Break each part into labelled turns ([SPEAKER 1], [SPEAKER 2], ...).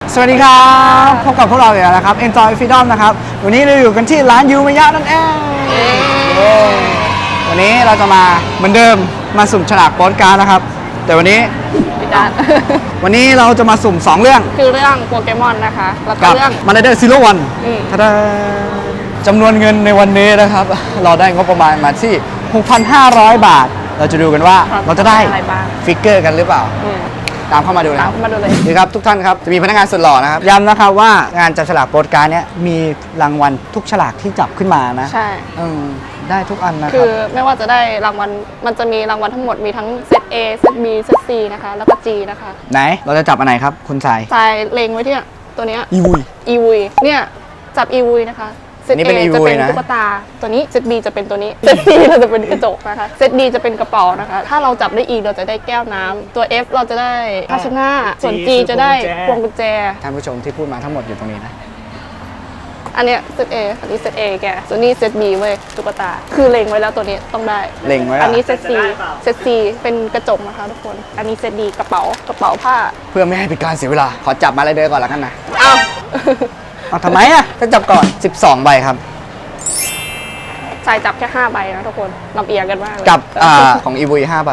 [SPEAKER 1] สวัสดีครับพบกับพวกเราอีกแล้วนะครับ Enjoy Freedom นะครับวันนี้เราอยู่กันที่ร้านยูมายะนั่นเองวันนี้เราจะมาเหมือนเดิมมาสุ่มฉลากโปสการ์ดนะครับแต่วันนี้เราจะมาสุ่ม2เรื่อง
[SPEAKER 2] คือเรื่องโปเกมอนนะคะแล้วก็เรื่อง
[SPEAKER 1] Marauder Zero One จำนวนเงินในวันนี้นะครับเราได้งบประมาณมาที่ 6,500 บาทเราจะดูกันว่าเราจะได้ฟิกเกอร์กันหรือเปล่าตามเข้ามาดูนะครับ
[SPEAKER 2] มาดูเลย
[SPEAKER 1] ดีครับทุกท่านครับจะมีพนักงานสุดหล่อนะครับย้ำนะครับว่างานจับฉลากโปสการ์ดเนี้ยมีรางวัลทุกฉลากที่จับขึ้นมานะ
[SPEAKER 2] ใช่
[SPEAKER 1] ได้ทุกอันนะครับ
[SPEAKER 2] คือไม่ว่าจะได้รางวัลมันจะมีรางวัลทั้งหมดมีทั้งเซต A เซต B เซต C นะคะแล้วก็ G นะคะ
[SPEAKER 1] ไหนเราจะจับอันไหนครับคุณสาย
[SPEAKER 2] เล็งไว้ที่ตัวเนี้ย
[SPEAKER 1] อี
[SPEAKER 2] วุยเนี่ยจับอีวุยนะคะเซต A จะเป็นตุ๊กตาตัวนี้เซต B จะเป็นตัวนี้เซต C เราจะเป็นกระจกนะคะเซต D จะเป็นกระเป๋านะคะถ้าเราจับได้อีกเราจะได้แก้วน้ำตัว F เราจะได้ภาชนะส่วน G จะได้พวงกุญแจ
[SPEAKER 1] ท่านผู้ชมที่พูดมาทั้งหมดอยู่ตรงนี้นะ
[SPEAKER 2] อันเนี้ยเซต A อันนี้เซต A แกส่วนนี้เซต B เว้ยตุ๊กตาคือเล็งไว้แล้วตัวนี้ต้องได้
[SPEAKER 1] เล็งไว้
[SPEAKER 2] อันนี้เซต C เซต C เป็นกระจกนะคะทุกคนอันนี้เซต D กระเป๋าผ้า
[SPEAKER 1] เพื่อไม่ให้เป็นการเสียเวลาขอจับมาเลยเดินก่อนแล้วกันนะ
[SPEAKER 2] เอา
[SPEAKER 1] ทำไมอ่ะถ้าจับก่อน12ใบครับ
[SPEAKER 2] ใส่จับแค่5ใบนะทุกคนลำเอียงกันมาก
[SPEAKER 1] กับของอีวุย5ใบ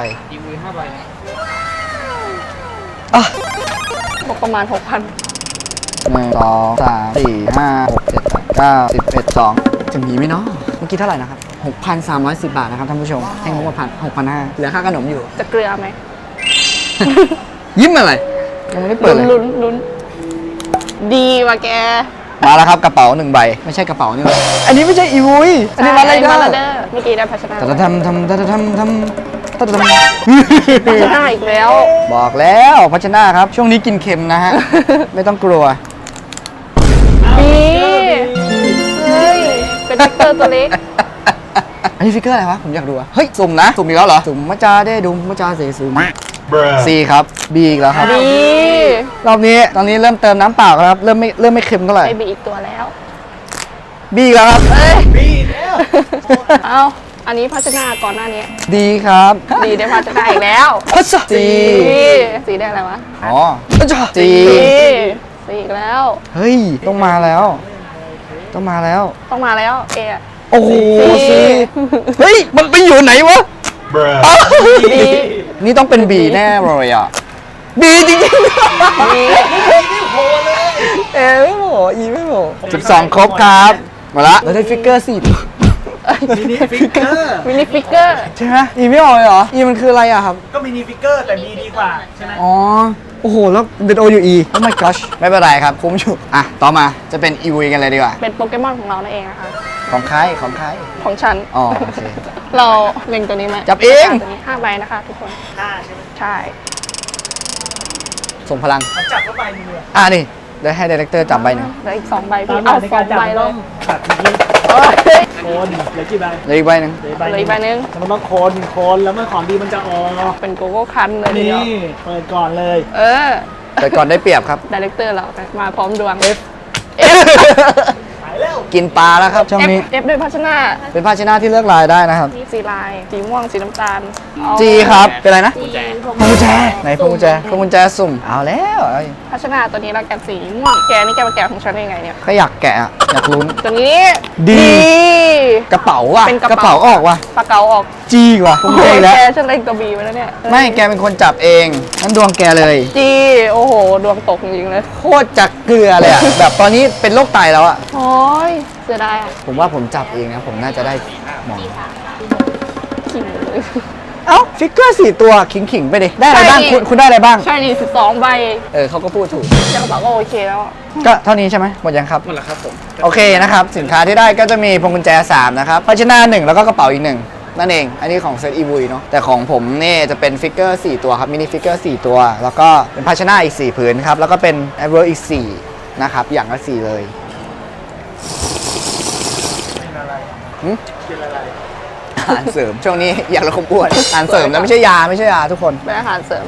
[SPEAKER 2] ประมาณ 6,000
[SPEAKER 1] 1 2 3 4 5 6 7 8 9 10 11 12จะมีไหมเนาะเมื่อกี้เท่าไหร่นะครับ 6,310 บาทนะครับท่านผู้ชมให้งบมา6,500เหลือค่าขนมอยู่
[SPEAKER 2] จะเกลือไหม
[SPEAKER 1] ยิ้มอะไรยังไม่ได้เปิดเลย
[SPEAKER 2] ลุ้นดีว่ะแก
[SPEAKER 1] มาแล้วครับกระเป๋า1ใบไม่ใช่กระเป๋านี่อันนี้ไม่ใช่อีวุยอันนี้มาอะไรเด้อ
[SPEAKER 2] เมื่อกี้ได้ภาชนะ
[SPEAKER 1] ทำภาช
[SPEAKER 2] นะอีกแล้ว
[SPEAKER 1] บอกแล้วภาชนะครับช่วงนี้กินเค็มนะฮะไม่ต้องกลัว
[SPEAKER 2] เฮ้ยเป็นฟิกเกอร์ตัวเล็ก
[SPEAKER 1] อันนี้ฟิกเกอร์อะไรวะผมอยากดูอะเฮ้ยสุ่มนะสุ่มอีกแล้วเหรอสุ่มมาจาได้ดุมมาจาเสสุ่มC ครับ B อีกแล้วครับรอบนี้ตอนนี้เริ่มเติมน้ำเปล่าครับเริ่มไม่เค็มเท่าไหร่
[SPEAKER 2] ไป B อีกตัวแล้ว
[SPEAKER 1] B อีกแล้วครับ
[SPEAKER 3] B แล้ว
[SPEAKER 2] เอาอันนี้ภาชนะก่อนหน้านี้
[SPEAKER 1] ดีครับ
[SPEAKER 2] ดีได้ภาชนะอีกแล้วสีได้อะไรวะ
[SPEAKER 1] อ๋อสี
[SPEAKER 2] อีกแล้ว
[SPEAKER 1] เฮ้ยต้องมาแล้ว
[SPEAKER 2] เอ
[SPEAKER 1] โอ้โหสีเฮ้ยมันไปอยู่ไหนวะนี่ต้องเป็น B แน่เลยอ่ะ B จริงๆไม่โหอีไม่โห12ครบครับมาละเราได้ฟิกเกอร์4
[SPEAKER 3] มินิฟิกเกอร์
[SPEAKER 1] ใช่ไหมอีไม่ออกเลยเหรออีมันคืออะไรอะครับ
[SPEAKER 3] ก็มินิฟิกเกอร์แต่มีดีกว่าใช่ไหม
[SPEAKER 1] อ๋อโอ้โหแล้วเดนโอยูอีโอ้ my gosh ไม่เป็นไรครับคุ้มอยู่อ่ะต่อมาจะเป็นอีวีกันเลยดีกว่า
[SPEAKER 2] เป็นโปเกมอนของเรานั่นเองนะคะ
[SPEAKER 1] ของใคร
[SPEAKER 2] ของฉัน
[SPEAKER 1] อ๋อโอเค
[SPEAKER 2] เราเล็งตัวนี้ไหม
[SPEAKER 1] จับเอง
[SPEAKER 2] ตัวนี้5ใบนะคะทุกคน
[SPEAKER 3] 5ใช่ไหม
[SPEAKER 2] ใช่
[SPEAKER 1] ส่งพลัง
[SPEAKER 3] จับเข้าใบนึง
[SPEAKER 1] นี่ได้ให้ดีเรคเตอร์จับใบหนึ่ง
[SPEAKER 2] เหลืออีก2ใบพี่เอา2ใบแล้ว
[SPEAKER 3] ตัดนี้โคนเหลือกี่ใบ
[SPEAKER 1] เหลืออีกใบหนึ่ง
[SPEAKER 3] มันต้องโคนแล้วเมื่อของดีมันจะออก
[SPEAKER 2] เป็นโกโก้คันเลย
[SPEAKER 3] นี่เปิดก่อนเลย
[SPEAKER 1] เปิดก่อนได้เปรียบครับ
[SPEAKER 2] ดีเรคเตอร์เรามาพร้อมดวง F
[SPEAKER 1] กินปลาแล้วครับช่วงนี้
[SPEAKER 2] F ด้วยภาชนะ
[SPEAKER 1] เป็นภาชนะที่เลือกลายได้นะครับ
[SPEAKER 2] สีลายสีม่วงสีน้ำตาล
[SPEAKER 1] G ครับเป็นอะไรนะพวงกุญแจไหนพวงกุญแจสุ่มเอาแล้ว
[SPEAKER 2] ภาชนะตัวนี้เราแกะสีม่วงแกนี่แกมาแกะของฉันได้ไงเนี่ย
[SPEAKER 1] ก็อยากแกะอยากลุ้น
[SPEAKER 2] ตัวนี้
[SPEAKER 1] ดีกระเป๋าว่ะกระเป๋าออกว่ะ
[SPEAKER 2] ปากเก๋าออก
[SPEAKER 1] G ว่ะ
[SPEAKER 2] แกฉันเล็งตัว B ไว้แล้วเนี่ย
[SPEAKER 1] ไม่แกเป็นคนจับเองนั่นดวงแกเลย
[SPEAKER 2] G โอ้โหดวงตกจริงเลย
[SPEAKER 1] โคตรจักเกลือเลยอ่ะแบบตอนนี้เป็นโรคไตแล้วอ่ะ
[SPEAKER 2] โอ้ยเสียดาย
[SPEAKER 1] ผมว่าผมจับเองนะผมน่าจะได้มอง
[SPEAKER 2] ขิงเลย
[SPEAKER 1] ฟิกเกอร์4ตัวขิงไปดิได้อะไรบ้างคุณได้อะไรบ้าง
[SPEAKER 2] ใช่นี่12ใบ
[SPEAKER 1] เขาก็พูดถูก
[SPEAKER 2] จะบอกว่าโอเคแล้ว
[SPEAKER 1] ก็เท่านี้ใช่ไหมหมดยังครับ
[SPEAKER 3] หมดแล้วครับผม
[SPEAKER 1] โอเคนะครับสินค้าที่ได้ก็จะมีพวงกุญแจ3นะครับภาชนะ1แล้วก็กระเป๋าอีก1นั่นเองอันนี้ของเซตอีวุยเนาะแต่ของผมนี่จะเป็นฟิกเกอร์4ตัวครับมินิฟิกเกอร์4ตัวแล้วก็เป็นภาชนะอีก4ผืนครับแล้วก็เป็นแอปเปิลอีก4นะครับอย่างละ4เลย
[SPEAKER 3] เป็นอะไร
[SPEAKER 1] อาหารเสริมช่วงนี้อยากลดความอ้วนอาหารเสริมนะไม่ใช่ยาทุกคน
[SPEAKER 2] เป็นอาหารเสริม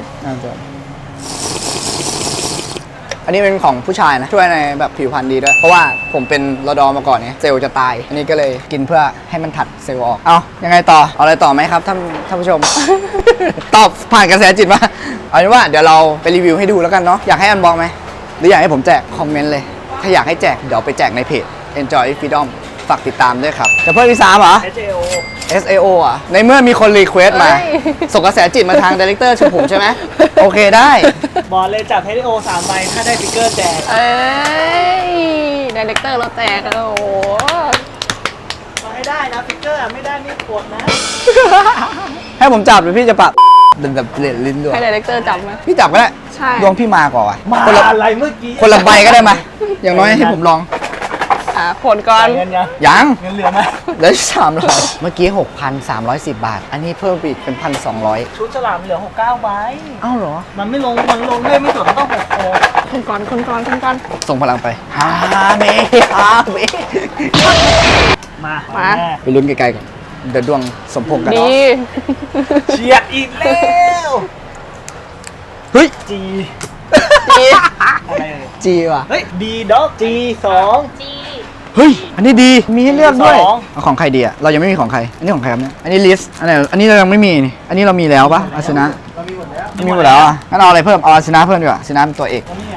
[SPEAKER 1] อันนี้เป็นของผู้ชายนะช่วยในแบบผิวพรรณดีด้วยเพราะว่าผมเป็นรดมาก่อนเนี่ยเซลล์จะตายอันนี้ก็เลยกินเพื่อให้มันถัดเซลล์ออกเอายังไงต่อเอาอะไรต่อไหมครับท่านผู้ชม ตอบผ่านกระแสจิตมาเอาเป็นว่าเดี๋ยวเราไปรีวิวให้ดูแล้วกันเนาะอยากให้อันบอกไหมหรืออยากให้ผมแจกคอมเมนต์เลย ถ้าอยากให้แจกเดี๋ยวไปแจกในเพจ Enjoy Freedom ฝากติดตามด้วยครับจะเพิ่มที่3เหรอ
[SPEAKER 3] SAO
[SPEAKER 1] SAO อ่ะ ในเมื่อมีคนรีเควสต์มา
[SPEAKER 2] เอ้ย
[SPEAKER 1] ส่งกระแสจิตมาทางดีเลกเตอร์ชื่อผมใช่ไหม โอเคได้
[SPEAKER 3] บอกเลยจับ SAO 3 ใบถ้าได้ฟิกเกอร์แจก
[SPEAKER 2] เอ้ยดีเลกเตอร์เราแจกแล้วโอ้โห
[SPEAKER 3] มาให้ได้นะฟิกเกอร์ไม่ได้ไม่กดนะ
[SPEAKER 1] ให้ผมจับหรือพี่จะปรับเดินแบบเล่นลิ้นด้วย
[SPEAKER 2] ให้ดีเลกเตอร์จับไหม
[SPEAKER 1] พี่จับก็ได้
[SPEAKER 2] ใช่
[SPEAKER 1] ดวงพี่มาก่อนวะ
[SPEAKER 3] มา
[SPEAKER 1] คนละ
[SPEAKER 3] อะไรเมื่อกี้
[SPEAKER 1] คนละใบก็ได้มา อย่างน้อยให้ผมลอง
[SPEAKER 2] ผลก่อน
[SPEAKER 3] เงินยัง
[SPEAKER 1] ยัง
[SPEAKER 3] เงินเหลือไหม
[SPEAKER 1] เหลือ300เมื่อกี้ 6,310 บาท อันนี้เพิ่มไปอีกเป็น 1,200
[SPEAKER 3] ชุดฉลามเหลือ69ใบ
[SPEAKER 1] อ้าวเหรอ
[SPEAKER 3] มันไม่ลงเลยไม่จดมันต้อง6โอ
[SPEAKER 2] คนก่อนคนก่อนคนก่อน
[SPEAKER 1] ส่งพลังไปฮาเมฮาเม
[SPEAKER 3] มา
[SPEAKER 2] มา
[SPEAKER 3] แม่
[SPEAKER 1] ไปลุ้นไกลๆก่อนเดี๋ยวดวงสมพงษ์กัน
[SPEAKER 2] ดี
[SPEAKER 3] เฉียดอีกแล้ว
[SPEAKER 1] เฮ้ย
[SPEAKER 3] G
[SPEAKER 2] ดี
[SPEAKER 3] อะไรเอ่ย
[SPEAKER 1] จีว่ะ
[SPEAKER 3] เฮ้ย D dog G
[SPEAKER 1] เฮ้ย อันนี้ดี มีให้เลือกด้วย
[SPEAKER 3] สอง
[SPEAKER 1] เอาของใครดีอะเรายังไม่มีของใคร อันนี้ของใครครับเนี่ย อันนี้ลิสอันไหนอันนี้เรายังไม่มีนี่ อันนี้เรามีแล้วปะอาสนะ
[SPEAKER 3] เรามีหมดแล้ว
[SPEAKER 1] มีหมดแล้วอะงั้นเอาอะไรเพิ่ม เอาอาสนะเพิ่มดีกว่าอาสนะเป็นตัวเอก
[SPEAKER 3] แล้วนี่ไง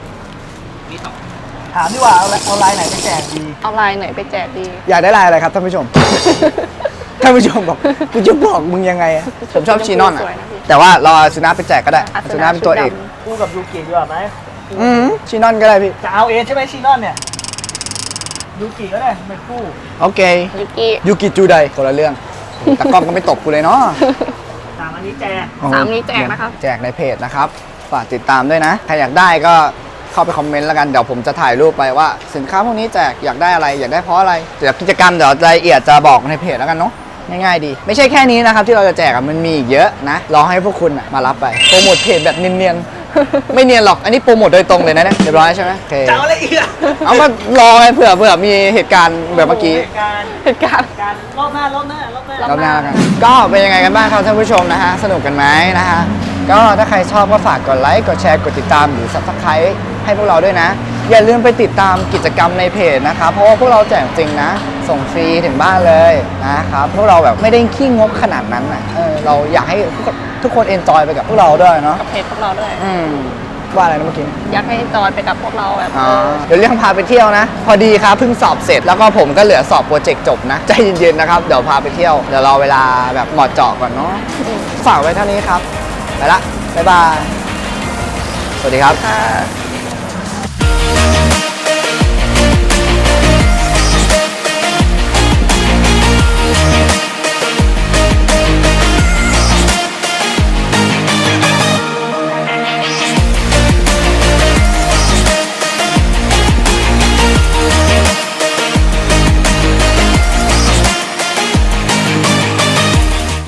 [SPEAKER 3] ถามดีกว่าเอาลายไหนไปแจกดี
[SPEAKER 2] เอาลายไหนไปแจกดี
[SPEAKER 1] อยากได้ลายอะไรครับท่านผู้ชม ท่านผู้ชมบอกกูจะบอกมึงยังไงอะผมชอบชีนอนอะ
[SPEAKER 2] สวยนะพี่
[SPEAKER 1] แต่ว่าเราอาสนะไปแจกก็ได้
[SPEAKER 2] อา
[SPEAKER 1] อา
[SPEAKER 2] ส
[SPEAKER 1] ส
[SPEAKER 2] นะ
[SPEAKER 1] นะเป็นตัวเอก
[SPEAKER 2] ชุดด
[SPEAKER 3] คู่กับยูกิดีกว่าไหม
[SPEAKER 1] ชีนอนก็ได้พี่
[SPEAKER 3] จะเอาเองใช่ไหมชีนอนเนี่ยยูกิก็ได้เป็นคู่
[SPEAKER 1] โอเค
[SPEAKER 2] ยูกิ
[SPEAKER 1] ยูกิจูไดคนละเรื่องแต่กล้องก็ไม่ตกกูเลยเนาะ
[SPEAKER 3] ตามอันนี้แจก
[SPEAKER 2] สามนี้แจกนะครับ
[SPEAKER 1] แจกในเพจนะครับ ฝากติดตามด้วยนะ ใครอยากได้ก็เข้าไปคอมเมนต์แล้วกัน เดี๋ยวผมจะถ่ายรูปไปว่า สินค้าพวกนี้แจกอยากได้อะไร อยากได้เพราะอะไร เดี๋ยวกิจกรรมเดี๋ยวรายละเอียดจะบอกในเพจแล้วกันเนาะ ง่ายๆดี ไม่ใช่แค่นี้นะครับที่เราจะแจกอะมันมีอีกเยอะนะ รอให้พวกคุณอะมารับไป โปรโมทเพจแบบเนียนๆ ไม่เนียนหรอก อันนี้โปรโมทโดยตรงเลยนะเนี่ย เรียบร้อยใช่ไหมโอเค
[SPEAKER 3] จะเอาอะไรอีกอะ
[SPEAKER 1] เอามารอไงเผื่อมีเหตุการณ์แบบเมื่อกี้
[SPEAKER 3] เหตุการณ์
[SPEAKER 2] เหตุการณ์
[SPEAKER 3] รอบหน้ารอบหน้ารอบหน้าร
[SPEAKER 1] อบหน้าแล้วกันก็เป็นยังไงกันบ้างครับท่านผู้ชมนะฮะ สนุกกันไหมนะฮะ ก็ถ้าใครชอบก็ฝากกดไลค์ กดแชร์ กดติดตามหรือ Subscribe ให้พวกเราด้วยนะ อย่าลืมไปติดตามกิจกรรมในเพจนะครับ เพราะว่าพวกเราแจกจริงนะ ส่งฟรีถึงบ้านเลยนะครับ พวกเราแบบไม่ได้ขี้งกขนาดนั้นอ่ะเราอยากให้ทุกคนเอนจอยไปกับพวกเราด้วยเนาะ
[SPEAKER 2] กับเพจพวกเราด้วย
[SPEAKER 1] ว่าอะไรนะเมื่อกี้
[SPEAKER 2] อยากให้จอยไปกับพวกเราแบบ
[SPEAKER 1] เดี๋ยวเรื่องพาไปเที่ยวนะ พอดีครับเพิ่งสอบเสร็จแล้วก็ผมก็เหลือสอบโปรเจกต์จบนะ ใจเย็นๆนะครับ เดี๋ยวพาไปเที่ยว เดี๋ยวรอเวลาแบบเหมาะเจาะก่อนเนาะฝากไว้เท่านี้ครับ ไปละ บ๊ายบาย สวัสดีครับ
[SPEAKER 2] ค่ะ